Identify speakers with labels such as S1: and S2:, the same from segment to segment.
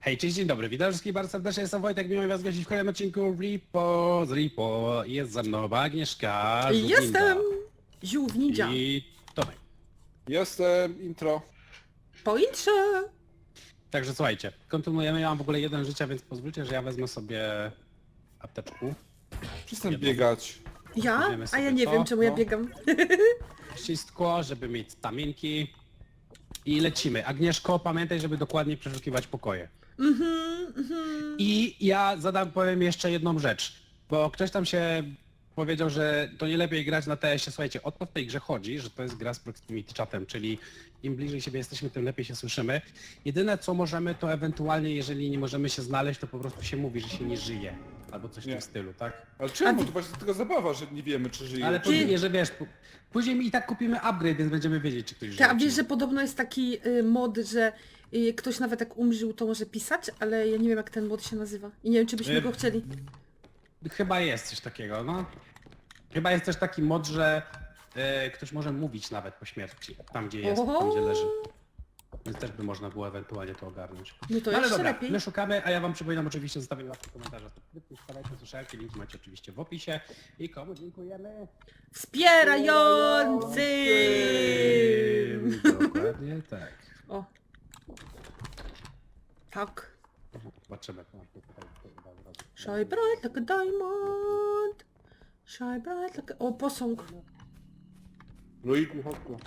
S1: Hej, cześć, dzień dobry, witam wszystkich bardzo serdecznie, jestem Wojtek, miło mi was gościć w kolejnym odcinku Repo z Repo. Jest ze mną Agnieszka, Żółwinda
S2: Jestem! Żółw ninja.
S1: i Tomek.
S3: Jestem, intro.
S2: Po intrze!
S1: Także słuchajcie, kontynuujemy, ja mam w ogóle jeden życia, więc pozwólcie, że ja wezmę sobie apteczku.
S3: Przestań
S1: Jedno.
S3: biegać.
S2: Ja?
S1: Wiemy
S2: A
S1: sobie
S2: ja nie
S1: co,
S2: wiem czemu ja
S1: no.
S2: biegam.
S1: Wszystko, żeby mieć stamienki i lecimy. Agnieszko, pamiętaj, żeby dokładnie przeszukiwać pokoje. I ja powiem jeszcze jedną rzecz, bo ktoś tam się powiedział, że to nie lepiej grać na TS-ie. Słuchajcie, o to w tej grze chodzi, że to jest gra z proximity chatem, czyli im bliżej siebie jesteśmy, tym lepiej się słyszymy. Jedyne co możemy, to ewentualnie, jeżeli nie możemy się znaleźć, to po prostu się mówi, że się nie żyje. Albo coś w tym
S3: Nie.
S1: stylu, tak?
S3: Ale czemu? To właśnie tylko zabawa, że nie wiemy, czy żyje.
S1: Ale
S3: czy
S1: później,
S3: nie.
S1: że wiesz, później mi i tak kupimy upgrade, więc będziemy wiedzieć, czy ktoś żyje.
S2: Ty, a
S1: czy
S2: wiesz,
S1: nie.
S2: że podobno jest taki mod, że ktoś nawet jak umrzył, to może pisać, ale ja nie wiem jak ten mod się nazywa. I nie wiem czy byśmy go chcieli.
S1: Chyba jest coś takiego, no. Chyba jest też taki mod, że ktoś może mówić nawet po śmierci, tam gdzie jest, tam gdzie leży. Więc też by można było ewentualnie to ogarnąć.
S2: No to
S1: Ale
S2: jeszcze
S1: dobra,
S2: lepiej.
S1: my szukamy, a ja wam przypominam oczywiście zostawienie łapki, komentarza, subskrypcji, wstawajcie, słyszałki, linki macie oczywiście w opisie. I komu dziękujemy?
S2: Wspierającym!
S1: Dokładnie tak.
S2: O. Tak.
S1: Zobaczymy.
S2: Shine bright like a diamond. Shine bright like a... O, posąg.
S3: Luigi, chodź tu.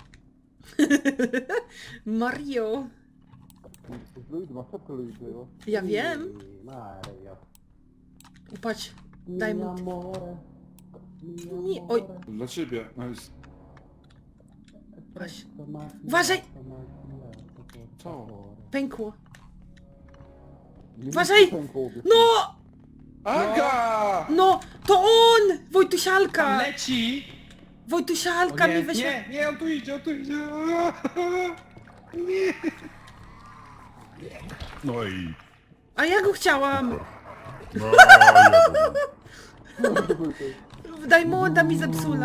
S2: Mario.
S3: Luigi, masz szybko Luigi'ego.
S2: Ja wiem.
S1: Mario.
S2: Patrz. Diamond. Nie, oj.
S3: Dla ciebie. Nice.
S2: Patrz. Uważaj!
S3: Co?
S2: Pękło. Uważaj! No!
S3: Aga!
S2: No! To on!
S1: Tam
S2: Wojtusialka!
S1: leci!
S2: Wojtusialka
S1: O nie,
S2: mi weźmie...
S1: nie, on tu idzie, on tu idzie. Nie.
S4: No i...
S2: A ja go chciałam!
S4: No, ja
S2: Diamonda mi zepsula.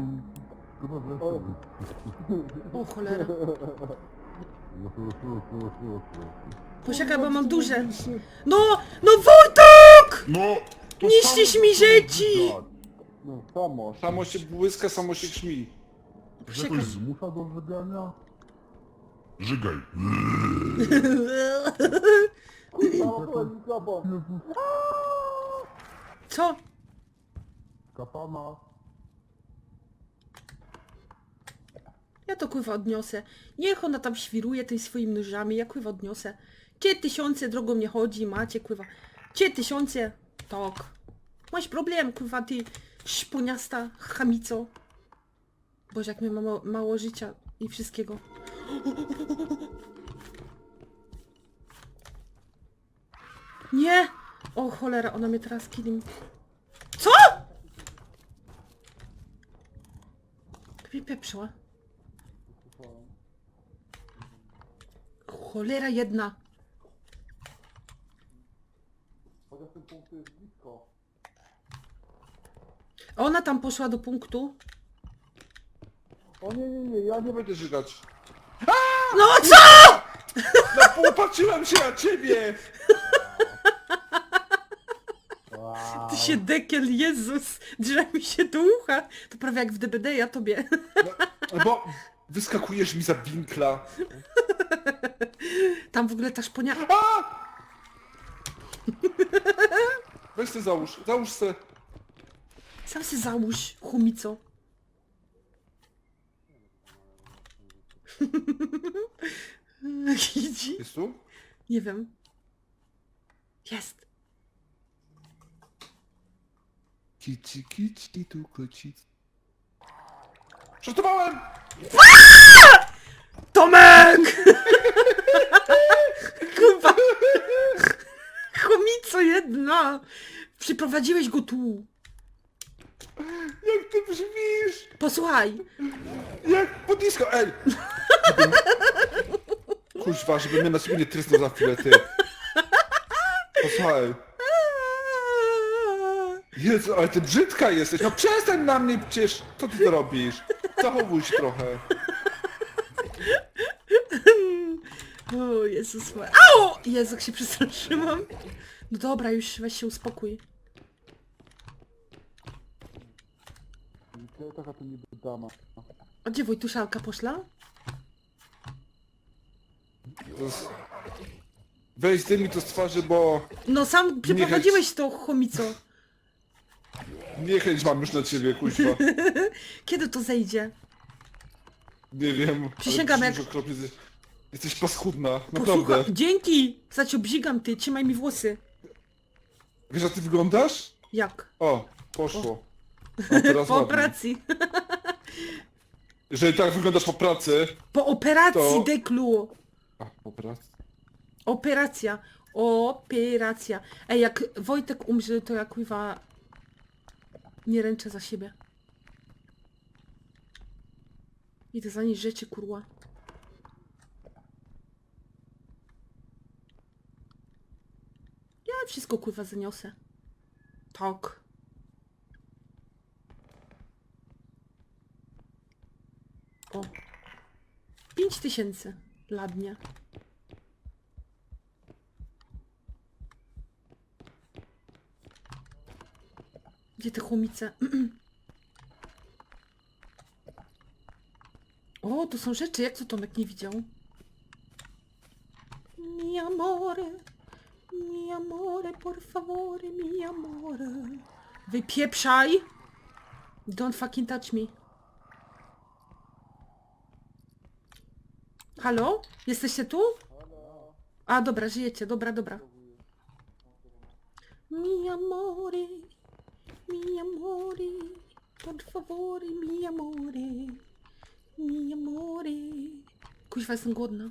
S2: O cholera. Poczekaj, bo mam duże. No! No Wojtek!
S4: No! To
S2: Niszczysz
S4: samo
S2: mi
S4: to
S2: dzieci!
S4: tak.
S3: No, samo. Samo się błyska, samo się krzmi.
S4: Że ktoś zmusza do żygania? Żygaj.
S2: Co?
S4: Kapana.
S2: Ja to kurwa odniosę. Niech ona tam świruje tymi swoimi nóżami, ja kurwa odniosę. 3000 drogą nie chodzi, macie kurwa. 3000? Tak. Masz problem, kurwa, ty szponiasta chamico. Boże, jak my mamy mało życia i wszystkiego. Nie! O cholera, ona mnie teraz killing. Co?! Mnie pieprzyła. Cholera jedna.
S3: Chociaż ten punkt jest blisko.
S2: A ona tam poszła do punktu.
S3: O nie, ja nie będę żygać.
S2: No co?!
S3: No popatrzyłem się na ciebie!
S2: Ty się dekiel, Jezus! Drze mi się do ucha. To prawie jak w DBD, ja tobie.
S3: No bo wyskakujesz mi za winkla.
S2: Tam w ogóle ta szponia...
S3: Weź ty załóż se.
S2: Sam się załóż, chumico. Idzi?
S3: Jest tu?
S2: Nie wiem. Jest.
S3: Kici, tu kocic. Żartowałem!
S2: Tomek! Kurwa! Chomico jedna! Przyprowadziłeś go tu.
S3: Jak ty brzmisz?
S2: Posłuchaj.
S3: Jak po disco, ej! Kuźwa, żeby mnie na siebie nie trysnął za chwilę, ty. Posłuchaj. Jezu, ale ty brzydka jesteś. No przestań na mnie przecież. Co ty to robisz? Zachowuj się trochę.
S2: O Jezus Maria. Au! Jezu, jak się przestraszyłam. No dobra, już weź się uspokój.
S3: Taka to niby dama.
S2: A gdzie Wojtuszalka poszła?
S3: Weź zdejmij to z twarzy, bo
S2: No sam przeprowadziłeś to, chomico.
S3: niechęć mam już na ciebie, kuźwa.
S2: Kiedy to zejdzie?
S3: Nie wiem. ale
S2: Przysięgam, jak-
S3: brzmisz okropnie, jesteś paskudna,
S2: Posłuchaj,
S3: naprawdę.
S2: dzięki! Za cię obzigam ty, trzymaj mi włosy.
S3: Wiesz jak ty wyglądasz?
S2: Jak?
S3: O, poszło. A teraz
S2: Po
S3: ładnie.
S2: operacji.
S3: Jeżeli tak wyglądasz po pracy...
S2: Po operacji,
S3: To-
S2: deklu.
S3: A, po pracy?
S2: Operacja. Operacja. Ej, jak Wojtek umrze, to ja kuwa nie ręczę za siebie. Idę zanieść rzeczy, kurwa. Ja wszystko kurwa zaniosę. Tak. O. 5000 ładnie. Gdzie te chomice? O, tu są rzeczy. Jak to Tomek nie widział? Mi amore, por favore, mi amore. Wypieprzaj! Don't fucking touch me. Halo? Jesteście tu? A, dobra, żyjecie. Dobra, dobra. Mi amore, por favore, mi amore. Kuźwa, jestem głodna.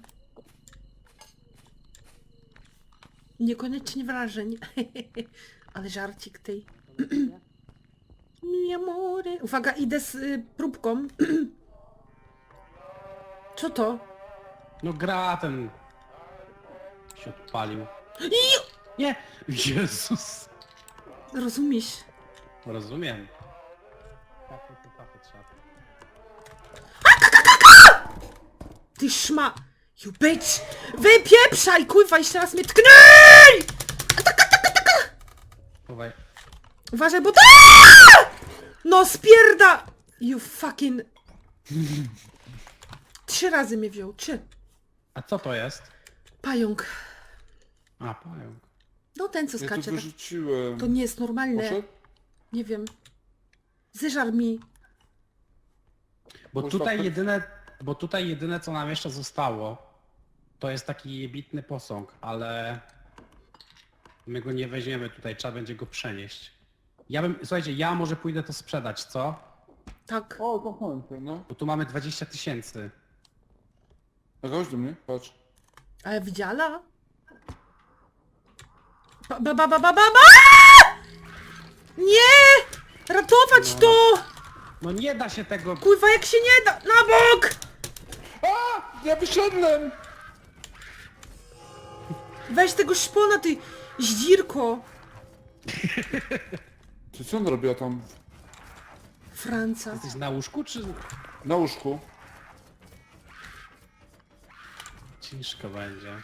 S2: Niekoniecznie wrażeń. Ale żarcik tej. Mi amore. Uwaga, idę z próbką. Co to?
S1: No gra ten... się odpalił. Nie! Jezus!
S2: Rozumiesz?
S1: Rozumiem. Tafy trzeba.
S2: Ty szma... You bitch! Wypieprzaj! Kurwa, jeszcze raz mnie tknij!
S1: Chowaj.
S2: Uważaj, bo to... No spierda! You fucking... 3 razy mnie wziął. 3.
S1: A co to jest?
S2: Pająk.
S1: A, pająk.
S2: No ten co
S3: Ja to
S2: skacze. Tak.
S3: wyrzuciłem.
S2: To nie jest normalne.
S3: Poszedł?
S2: Nie wiem. Zeżar mi.
S1: Bo
S3: Można
S1: tutaj
S3: per-
S1: jedyne... Bo tutaj jedyne co nam jeszcze zostało, to jest taki jebitny posąg, ale... My go nie weźmiemy tutaj, trzeba będzie go przenieść. Ja bym... Słuchajcie, ja może pójdę to sprzedać, co?
S2: Tak.
S3: O, kochałem się, no.
S1: Bo tu mamy 20 000.
S3: A chodź do mnie, patrz.
S2: Ale widziała? Ba! Nie! Ratować to!
S1: No nie da się tego...
S2: Kurwa, jak się nie da! Na bok!
S3: A! Ja wyszedłem!
S2: Weź tego szpona, ty zdzirko!
S3: Ty co on robiła tam
S2: Franca.
S1: Jesteś na łóżku, czy...
S3: na łóżku?
S1: Ciężko będzie.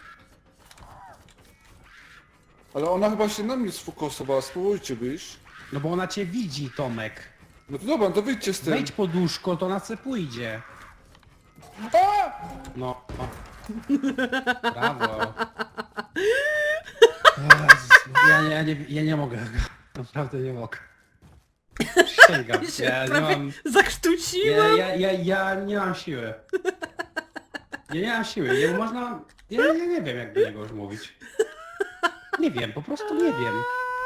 S3: Ale ona chyba się na mnie sfokusowała, spróbujcie wyjść.
S1: No bo ona cię widzi, Tomek.
S3: No to dobra, to wyjdźcie z tym.
S1: Wejdź pod łóżko, to na co pójdzie.
S3: A!
S1: No. O. Brawo. Jezus, ja nie mogę. Naprawdę nie mogę. Przysięgam.
S2: Się
S1: Ja nie
S2: prawie
S1: mam...
S2: zakrztusiłam.
S1: Ja nie mam siły. Ja nie mam siły. Nie można... Ja nie wiem jak do niego już mówić. Nie wiem, po prostu nie wiem.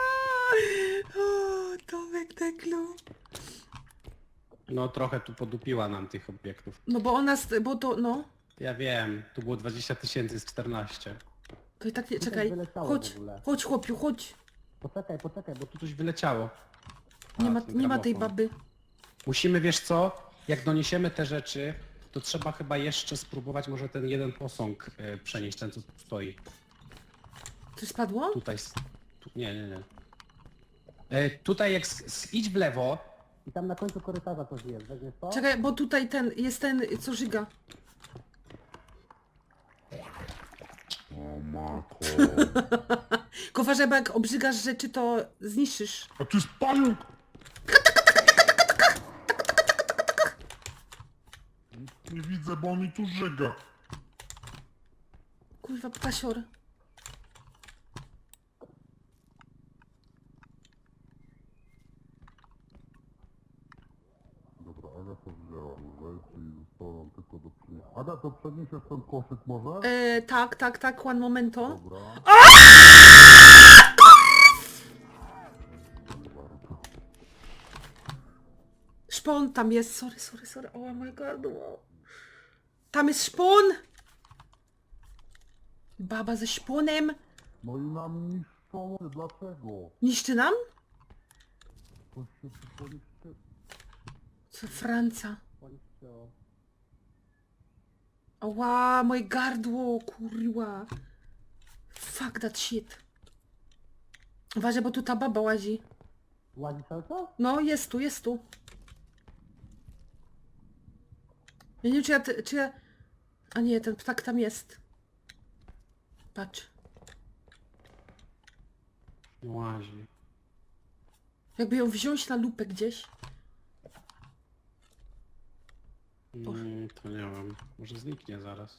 S2: O, Tomek Deklu.
S1: No trochę tu podupiła nam tych obiektów.
S2: No bo ona, bo to, no.
S1: Ja wiem, tu było 20 000 z 14.
S2: To i tak nie, czekaj.
S1: wyleciało
S2: Chodź,
S1: w ogóle.
S2: chodź chłopiu, chodź.
S1: Poczekaj, bo tu coś wyleciało.
S2: Nie
S1: A,
S2: ma,
S1: ten
S2: nie ma tej
S1: gramofon.
S2: baby.
S1: Musimy, wiesz co, jak doniesiemy te rzeczy, to trzeba chyba jeszcze spróbować może ten jeden posąg przenieść, ten co tu stoi.
S2: Coś spadło?
S1: Tutaj, nie. Tutaj jak idź w lewo i tam na końcu korytarza coś jest, weźmiesz to?
S2: Czekaj, bo tutaj ten, jest ten, co żyga.
S4: Mako.
S2: Tylko uważaj, bo jak obrzygasz rzeczy, to zniszczysz.
S4: A tu jest pająk! Nie widzę, bo on mi tu żyga.
S2: Kurwa, ptasior.
S4: Dobra, Aga to wzięła rzeczy i zostało nam tylko do przyniesienia. Aga, to przeniesiesz ten koszyk może?
S2: Tak, one momento.
S4: Dobra.
S2: Szpon tam jest, sorry. Oh my god, wow. Tam jest szpon! Baba ze szponem.
S4: No i nam niszczą. Dlaczego?
S2: Niszczy nam?
S4: Coś się tylko niszczy.
S2: Co, Franca? Ała, moje gardło, kurwa. Fuck that shit. Uważaj, bo tu ta baba łazi.
S1: Łazi cały czas?
S2: No, jest tu. Ja nie wiem, czy ja... A nie, ten ptak tam jest. Patrz.
S1: Łazi.
S2: Jakby ją wziąć na lupę gdzieś.
S1: To nie wiem. Może zniknie zaraz.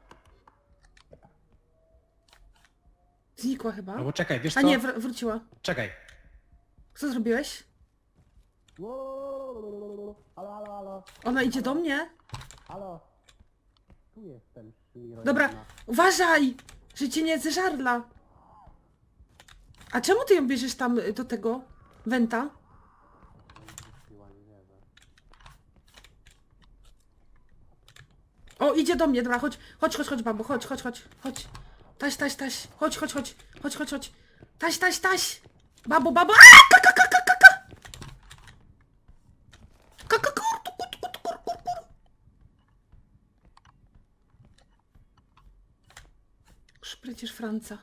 S2: Znikła chyba.
S1: Albo czekaj, wiesz co?
S2: A nie, wróciła.
S1: Czekaj.
S2: Co zrobiłeś?
S1: Halo.
S2: Ona idzie do mnie?
S1: Halo. Tu jestem.
S2: Dobra, uważaj! Że cię nie zeżarla. A czemu ty ją bierzesz tam do tego wenta? O, idzie do mnie, dobra, chodź, babo, chodź. Taś, chodź. Taś. Babo. A, kur. Przecież Franca.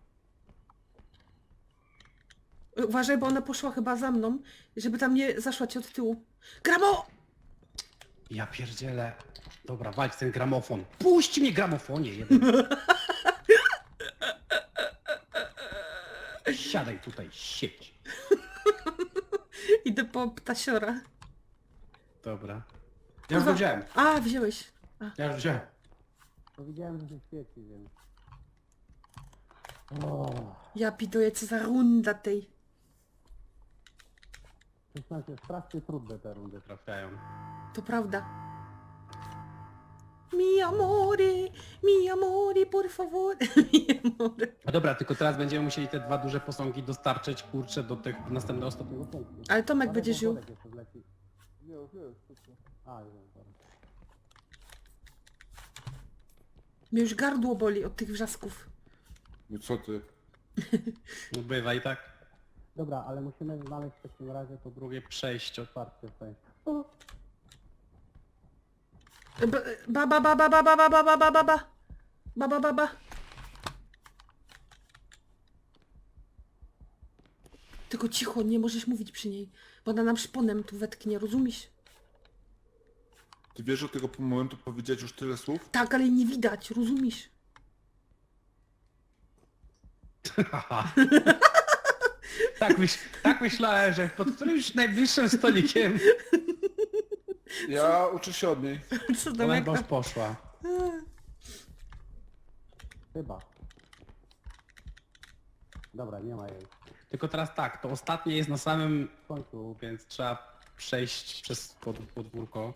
S2: Uważaj, bo ona poszła chyba za mną, żeby tam nie zaszła ci od tyłu. Gramo!
S1: Ja pierdzielę. Dobra, walcz ten gramofon. Puść mnie gramofonie jeden. Siadaj tutaj, siedź.
S2: Idę po ptasiora.
S1: Dobra. Ja już go wziąłem.
S2: A, wziąłeś.
S1: Ja już wziąłem.
S5: Powiedziałem, że się świeci, więc...
S2: Ja piduję, co za runda tej.
S5: Przyznam się, strasznie trudne te rundy.
S1: Trafiają.
S2: To prawda. Mi amore, por favor. Mi amore.
S1: No dobra, tylko teraz będziemy musieli te dwa duże posągi dostarczyć, kurczę, do tych następnego ostatniego punktu.
S2: Ale Tomek będzie żył.
S5: Worek jeszcze wleci. Już, szybko. A, już, dobra.
S2: Mnie już gardło boli od tych wrzasków.
S3: No co ty?
S1: No bywa i tak.
S5: Dobra, ale musimy znaleźć w takim razie to
S1: Drugie przejście.
S5: otwarcie w sensie.
S2: Baba. Tylko cicho, nie możesz mówić przy niej, bo ona nam szponem tu wetknie, rozumiesz?
S3: Ty wiesz, od tego momentu powiedzieć już tyle słów?
S2: Tak, ale nie widać, rozumiesz?
S1: Haha. tak myślałem, że pod którymś najbliższym stolikiem
S3: Ja uczę się od niej.
S2: Co
S1: ona
S2: Tomek?
S1: chyba już poszła.
S5: Chyba. Dobra, nie ma jej.
S1: Tylko teraz tak, to ostatnie jest na samym
S5: W końcu.
S1: więc trzeba przejść przez podwórko.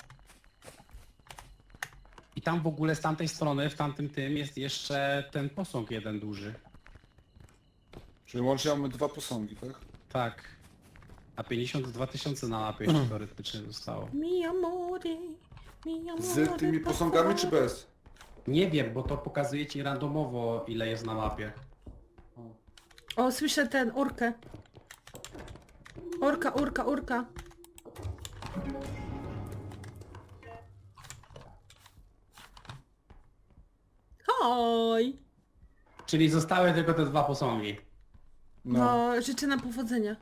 S1: I tam w ogóle z tamtej strony, w tamtym tym jest jeszcze ten posąg jeden duży.
S3: Czyli łącznie mamy dwa posągi, tak?
S1: Tak. A 52 000 na mapie jeszcze teoretycznie zostało.
S2: Mi amore,
S3: Z tymi
S2: por
S3: posągami czy
S2: favor.
S3: bez?
S1: Nie wiem, bo to pokazuje ci randomowo ile jest na mapie.
S2: O, słyszę ten, orkę. Orka. Hoj!
S1: Czyli zostały tylko te dwa posągi.
S2: No, życzę nam powodzenia.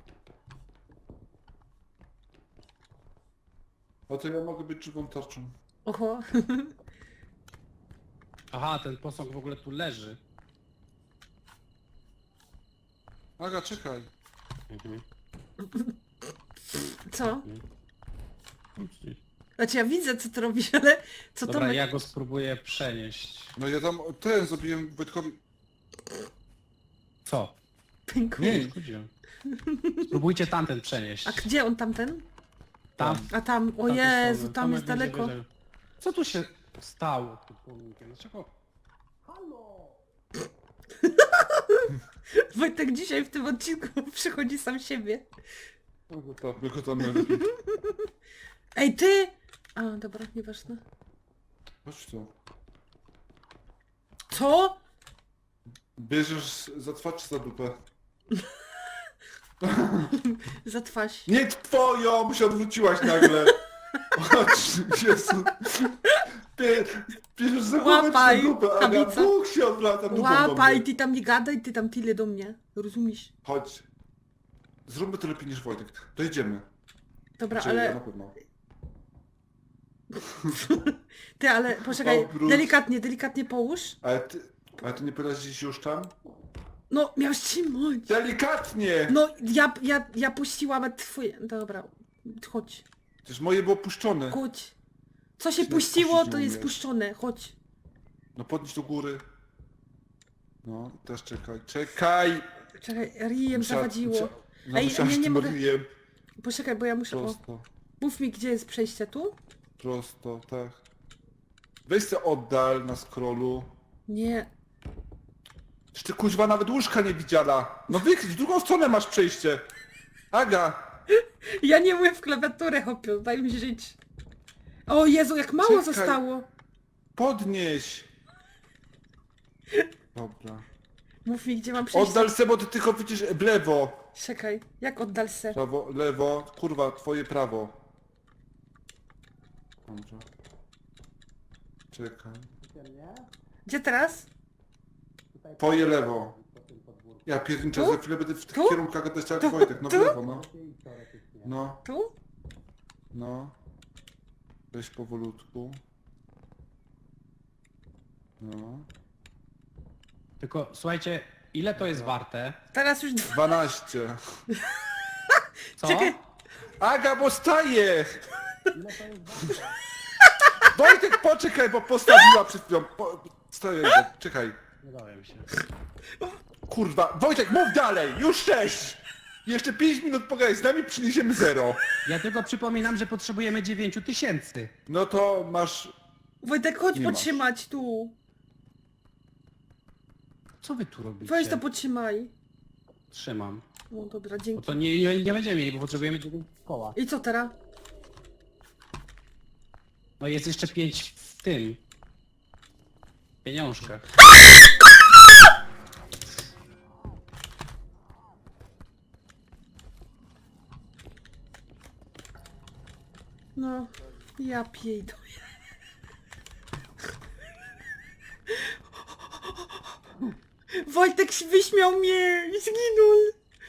S3: A to ja mogę być żywą tarczą.
S2: Oho.
S1: Aha, ten posąg w ogóle tu leży.
S3: Aga, czekaj.
S1: Mhm.
S2: Co? Znaczy ja widzę, co ty robisz, ale co
S1: Dobra,
S2: Tomek...
S1: ja go spróbuję przenieść.
S3: No ja tam ten zrobiłem Wojtkowi...
S1: Co?
S2: Pękł.
S3: Nie,
S1: Chodziłem. Spróbujcie tamten przenieść.
S2: A gdzie on tamten?
S1: Tam.
S2: A tam, o
S1: tamtej
S2: Jezu,
S1: strony.
S2: tam
S1: Tomek
S2: jest
S1: będzie
S2: daleko.
S1: wiedział. Co tu się stało z tym pomnikiem? Dlaczego?
S2: Wojtek dzisiaj w tym odcinku przychodzi sam siebie.
S3: tylko tam lepiej.
S2: Ej, ty! A, dobra, nieważne.
S3: Chodź tu.
S2: Co?
S3: Bierzesz za twarz czy za dupę?
S2: Za twarz.
S3: Nie twoją, bo się odwróciłaś nagle. Chodź, Jezu. Bierzesz za głowę czy za
S2: Łapaj,
S3: dupę, Aga,
S2: tablica.
S3: Bóg się odwraca dupą do
S2: Łapaj,
S3: mnie.
S2: ty tam nie gadaj, ty tam tyle do mnie. Rozumiesz?
S3: Chodź. Zróbmy to lepiej niż Wojtek. Dojedziemy.
S2: Dobra,
S3: Znaczy, ja na
S2: ale...
S3: pewno.
S2: Ty, ale poczekaj,
S3: Obróć.
S2: delikatnie połóż.
S3: Ale ty nie powiedziałeś gdzieś już tam?
S2: No, miałeś trzymać.
S3: Delikatnie!
S2: No, ja puściłam twoje... Dobra, chodź,
S3: Przecież moje było puszczone.
S2: chodź. Co się
S3: Czy
S2: puściło,
S3: puścić
S2: to
S3: nie
S2: jest
S3: umiesz?
S2: puszczone, chodź.
S3: No podnieś do góry. No, też czekaj. Czekaj!
S2: Czekaj, rijem zawadziło.
S3: No
S2: Ej,
S3: musiałeś
S2: nie
S3: tym
S2: mogę.
S3: ryjem.
S2: Poczekaj, bo ja muszę... O,
S3: Prosto,
S2: mów mi, gdzie jest przejście, tu?
S3: prosto, tak. Weź se oddal na scrollu.
S2: Nie.
S3: Czy ty kuźwa nawet łóżka nie widziała? No w drugą stronę masz przejście. Aga!
S2: Ja nie mówię w klawiaturę, hopio, daj mi żyć. O Jezu, jak mało
S3: Czekaj.
S2: zostało.
S3: Podnieś! Dobra.
S2: Mów mi, gdzie mam przejście.
S3: Oddal se, bo ty tylko widzisz w lewo.
S2: Czekaj, jak oddal se?
S3: Prawo, lewo, kurwa, twoje prawo. Dobrze. Czekaj.
S2: Gdzie teraz?
S3: Twoje lewo. Ja pierniczę,
S2: Tu?
S3: za chwilę będę w tych
S2: Tu?
S3: kierunkach gadać jak
S2: Tu?
S3: Wojtek, no w
S2: Tu?
S3: lewo, no. No,
S2: Tu?
S3: no. Weź powolutku. No.
S1: Tylko słuchajcie, ile to jest warte?
S2: Teraz już...
S3: 12.
S1: Co?
S2: Czekaj.
S3: Aga, bo staje! Wojtek, poczekaj, bo postawiła przed chwilą. Stoję, czekaj.
S1: Nie dałem się.
S3: Kurwa, Wojtek, mów dalej! Już 6! Jeszcze 5 minut pogadaj z nami, przyniesiemy 0.
S1: Ja tylko przypominam, że potrzebujemy 9000.
S3: No to masz...
S2: Wojtek, chodź
S3: Nie masz.
S2: podtrzymać tu.
S1: Co wy tu robicie?
S2: Weź to podtrzymaj.
S1: Trzymam.
S2: O, dobra,
S1: Bo
S2: dzięki.
S1: to nie będziemy mieli, bo potrzebujemy 9 koła.
S2: I co teraz?
S1: No jest jeszcze 5 w tym. Pieniążkach.
S2: No, ja piejdę. Wojtek się wyśmiał mnie i zginął.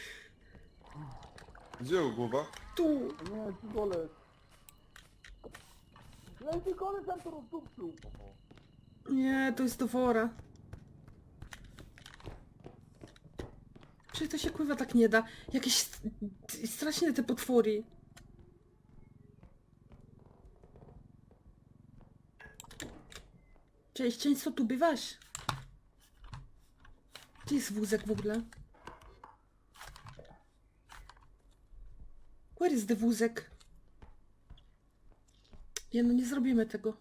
S3: Gdzie jego głowa?
S2: Tu.
S5: Nie, ci gole. Ja ci gole tam to rozdupczył.
S2: Nie, to jest do wora. Przecież to się kurwa tak nie da. Jakieś straszne te potwory. Cześć, często tu bywasz? Gdzie jest wózek w ogóle? Where is the wózek? Nie no, nie zrobimy tego.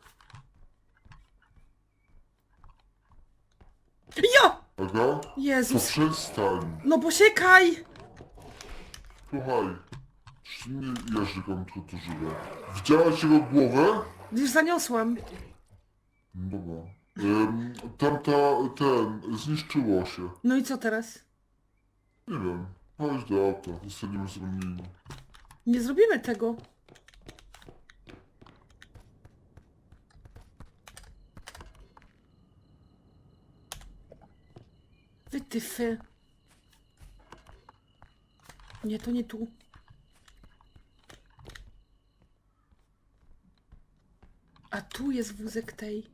S2: Ja!
S4: Aga? To
S2: Jezus!
S4: przestań.
S2: No poczekaj!
S4: Słuchaj. Czy nie jeżdżam tylko to żywe? Widziałaś jego głowę?
S2: Już zaniosłam.
S4: Dobra. Zniszczyło się.
S2: No i co teraz?
S4: Nie wiem. Chodź do auta, zostaniemy zwolnieni.
S2: Nie zrobimy tego. Wytyfy. Nie, to nie tu. A tu jest wózek tej.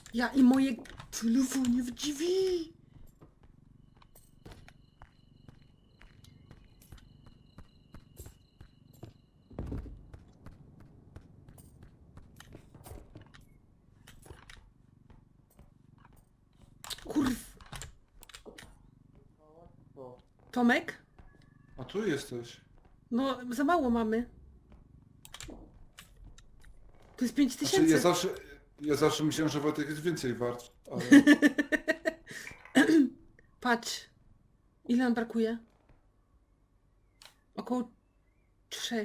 S2: Ja i moje telefonie w drzwi. Kurw. Tomek?
S3: A tu jesteś.
S2: No, za mało mamy. To jest 5000.
S3: Znaczy, ja zawsze myślałem, że Wojtek jest więcej wart, ale...
S2: Patrz. Ile nam brakuje? Około 3.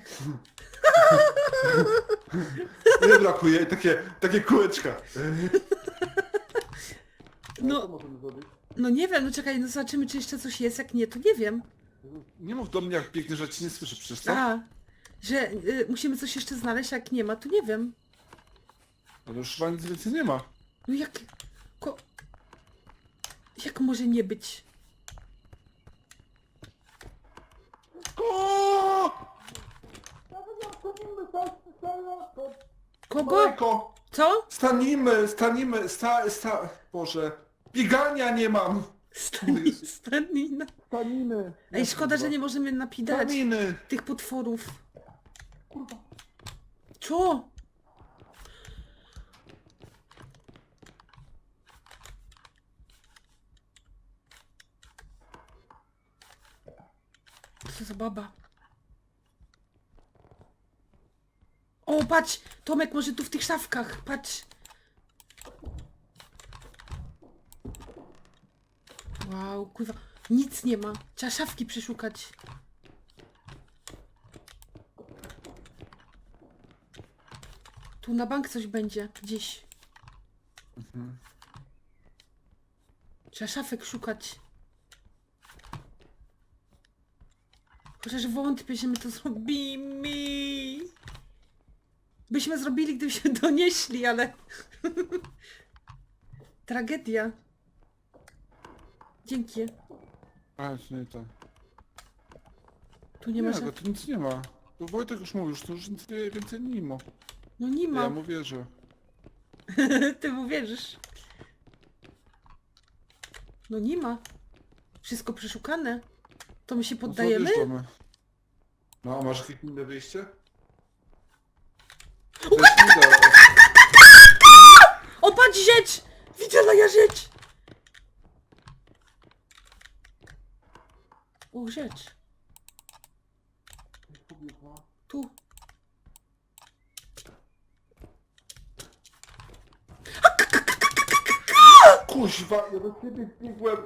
S3: Nie brakuje, takie kółeczka.
S2: No, no nie wiem, no czekaj, no zobaczymy, czy jeszcze coś jest. Jak nie, to nie wiem.
S3: Nie mów do mnie jak pięknie, że ci nie słyszę przecież, co?
S2: A, że musimy coś jeszcze znaleźć, a jak nie ma, to nie wiem.
S3: Ale już chyba nic więcej nie ma.
S2: No jak... Jak może nie być?
S3: O!
S2: Kogo?
S3: Majko!
S2: Co?
S3: Boże. Biegania nie mam!
S2: Stanina.
S3: Staniny!
S2: Ej, szkoda, że nie możemy napidać
S3: Staniny!
S2: tych potworów. Co? Co za baba? O, patrz! Tomek, może tu w tych szafkach, patrz! Wow, kurwa, nic nie ma. Trzeba szafki przeszukać. Tu na bank coś będzie, gdzieś. Trzeba szafek szukać. Chociaż wątpię, że my to zrobimy. Byśmy zrobili, gdybyśmy donieśli, ale... Tragedia. Dzięki.
S3: A, to nie to.
S2: Tu nie ma
S3: Nie,
S2: żadnych...
S3: tu nic nie ma. To Wojtek już mówił, że to już nic więcej nie ma.
S2: No nie ma.
S3: Ja mu wierzę.
S2: Ty mu wierzysz. No nie ma. Wszystko przeszukane. To my się
S3: No to
S2: poddajemy?
S3: odjeżdżamy. No, a masz jakieś inne wyjście? To jest nie da.
S2: O, patrz, rzecz! Widziana ja rzecz! O, rzecz. Tu.
S3: Kuźwa, ja do ciebie biegłem.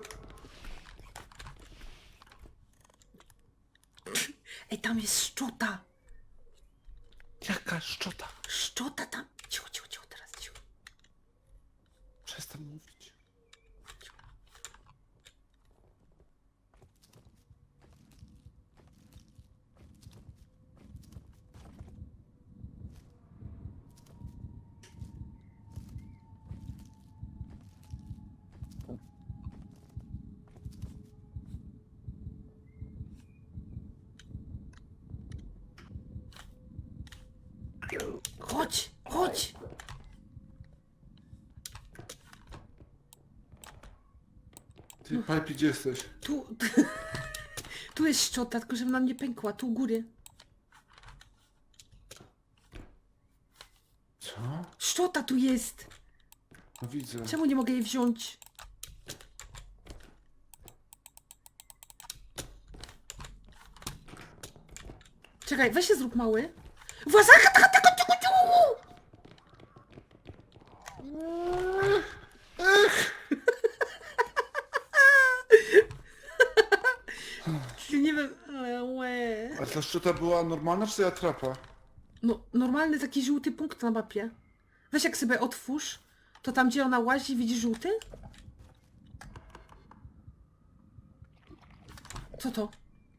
S2: Ej, tam jest szczota.
S3: Jaka szczota?
S2: Szczota tam. Cicho, cicho, cicho, teraz cicho.
S3: Przestań mówić.
S2: Chodź, chodź.
S3: Ty, Pipe, gdzie jesteś?
S2: Tu. Tu jest szczota, tylko żeby nam nie pękła. Tu u góry.
S3: Co?
S2: Szczota tu jest.
S3: No widzę.
S2: Czemu nie mogę jej wziąć? Czekaj, weź się zrób mały. Włazaka, nie wiem. Łe.
S3: A ta szczota była normalna, czy atrapa?
S2: No, normalny taki żółty punkt na mapie. Weź jak sobie otwórz, to tam gdzie ona łazi, widzisz żółty? Co to?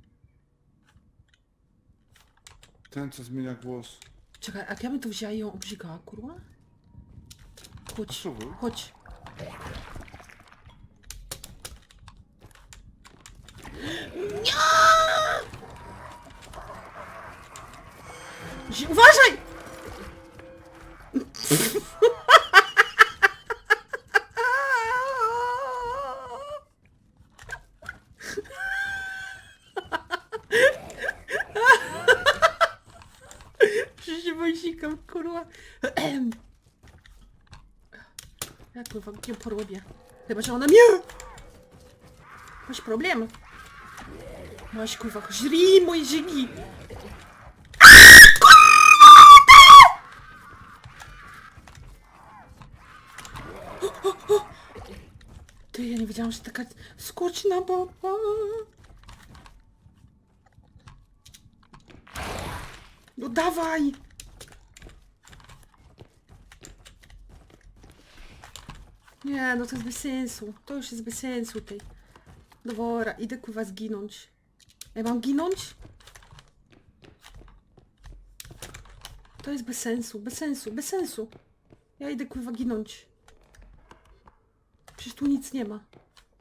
S3: Ten, co zmienia głos.
S2: Czekaj, a ja bym to wzięła i ją obrzygała, kurwa? Chodź,
S3: Spróbuj.
S2: chodź. Uważaj! Przecież się wąsikam, kurwa. Ja kurwa ją porobię. Chyba, że ona mnie... Masz problem? Masz kurwa, żrij moje żygi! Ty, ja nie wiedziałam, że taka skoczna baba. No dawaj! Nie, no to jest bez sensu. To już jest bez sensu tej. Dobra, idę kurwa zginąć. Ja mam ginąć? To jest bez sensu, bez sensu, bez sensu. Ja idę kurwa ginąć. Przecież tu nic nie ma.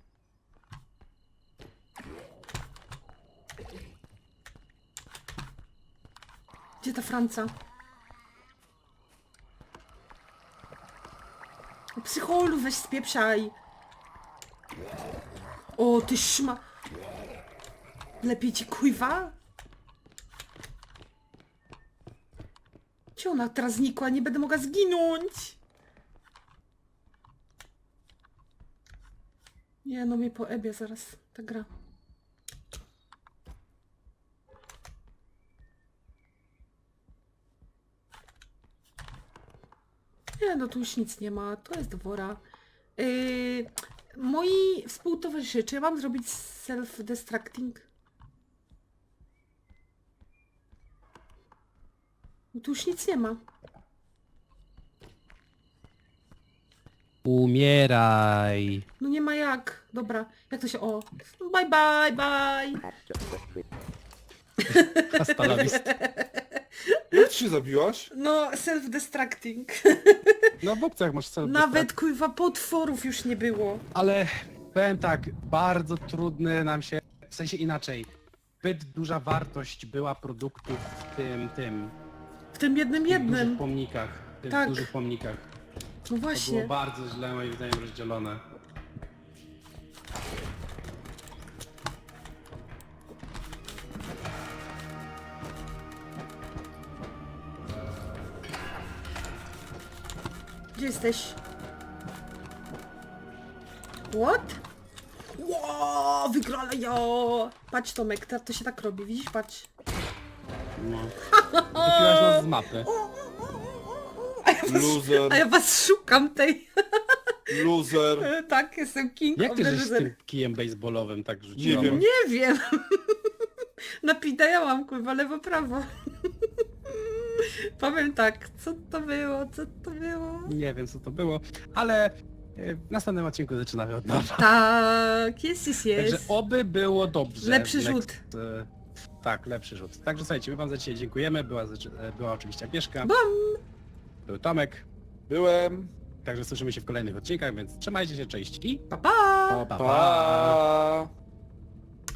S2: Gdzie ta Franca? O, psycholu, weź spieprzaj. O, ty szma... Lepiej ci kuźwa? Gdzie ona teraz znikła? Nie będę mogła zginąć. Nie, no mnie poebie zaraz ta gra. Nie, no tu już nic nie ma. To jest dwora. Moi współtowarzysze, czy ja mam zrobić self-destructing? No tu już nic nie ma.
S1: Umieraj.
S2: No nie ma jak. Dobra, jak to się... O! Bye bye, bye!
S1: Hasta la vista.
S3: Jak ty się zabiłaś?
S2: No, self-destructing.
S1: No w opcjach masz self
S2: Nawet kurwa potworów już nie było.
S1: Ale powiem tak, bardzo trudny nam się, w sensie inaczej, zbyt duża wartość była produktów w tym
S2: W tym jednym
S1: dużych pomnikach, w tych
S2: Tak.
S1: dużych pomnikach.
S2: No
S1: To było
S2: właśnie.
S1: bardzo źle moim zdaniem rozdzielone.
S2: Gdzie jesteś? What? Ło, wygrała ja! Patrz Tomek, to się tak robi, widzisz? Patrz.
S1: No. Wypiłaś nas z mapy.
S3: Loser,
S2: A ja was szukam tej.
S3: loser.
S2: Tak, jestem king
S1: Jak
S2: of
S1: ty
S2: the
S1: żeś z
S2: loser.
S1: tym kijem baseballowym tak rzuciła?
S3: Nie wiem.
S2: Nie wiem. Napidajałam kurwa lewo prawo. Powiem tak, co to było, co to było?
S1: Nie wiem co to było, ale w następnym odcinku zaczynamy od nowa.
S2: Tak, jest.
S1: Także oby było dobrze.
S2: Lepszy rzut.
S1: Tak, lepszy rzut. Także słuchajcie, my wam za dzisiaj dziękujemy. Była oczywiście Agnieszka. Był Tomek.
S3: Byłem.
S1: Także słyszymy się w kolejnych odcinkach, więc trzymajcie się, cześć i
S2: Pa, pa!
S3: Pa.